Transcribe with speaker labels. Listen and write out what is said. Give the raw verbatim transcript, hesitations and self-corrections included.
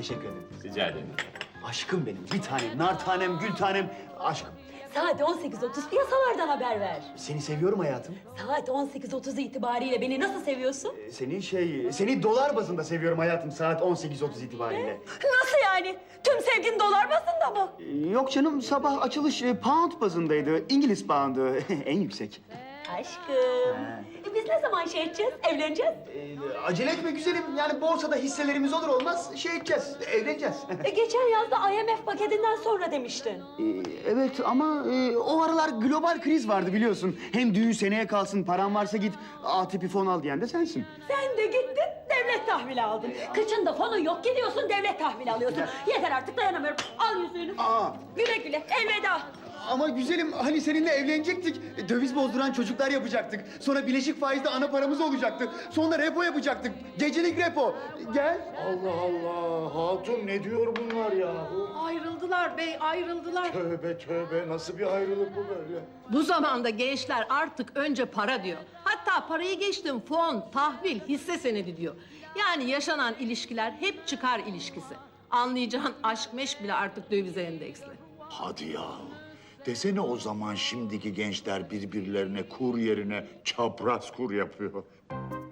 Speaker 1: Teşekkür ederim.
Speaker 2: Rica ederim.
Speaker 1: Aşkım benim, bir tanem, nar tanem, gül tanem, aşkım.
Speaker 3: Saat on sekiz otuz piyasalardan haber ver.
Speaker 1: Seni seviyorum hayatım.
Speaker 3: Saat on sekiz otuz itibariyle beni nasıl seviyorsun?
Speaker 1: Ee, Seni şey, seni dolar bazında seviyorum hayatım saat on sekiz otuz itibariyle.
Speaker 3: Nasıl yani? Tüm sevgin dolar bazında mı?
Speaker 1: Ee, Yok canım, sabah açılış e, pound bazındaydı. İngiliz poundu, en yüksek.
Speaker 3: Aşkım. E biz ne zaman şey edeceğiz, evleneceğiz?
Speaker 1: Ee, acele etme güzelim, yani borsada hisselerimiz olur olmaz şey edeceğiz, evleneceğiz.
Speaker 3: E geçen yazda I M F paketinden sonra demiştin.
Speaker 1: Ee, evet ama e, o aralar global kriz vardı biliyorsun. Hem düğün seneye kalsın, paran varsa git A tipi fon al diyen de sensin.
Speaker 3: Sen de gittin, devlet tahvili aldın. Kıçında fonun yok, gidiyorsun devlet tahvili alıyorsun. Yeter artık, dayanamıyorum. Al yüzüğünü.
Speaker 1: Aa.
Speaker 3: Güle güle, elveda.
Speaker 1: Ama güzelim hani seninle evlenecektik. E, Döviz bozduran çocuklar yapacaktık. Sonra bileşik faizde ana paramız olacaktı. Sonra repo yapacaktık. Gecelik repo. Gel.
Speaker 4: Allah Allah! Hatun ne diyor bunlar ya?
Speaker 5: Ayrıldılar bey, ayrıldılar.
Speaker 4: Tövbe tövbe, nasıl bir ayrılık bu böyle?
Speaker 5: Bu zamanda gençler artık önce para diyor. Hatta parayı geçtim fon, tahvil, hisse senedi diyor. Yani yaşanan ilişkiler hep çıkar ilişkisi. Anlayacağın aşk meşk bile artık dövize endeksli.
Speaker 4: Hadi ya! Desene o zaman şimdiki gençler birbirlerine kur yerine çapraz kur yapıyor.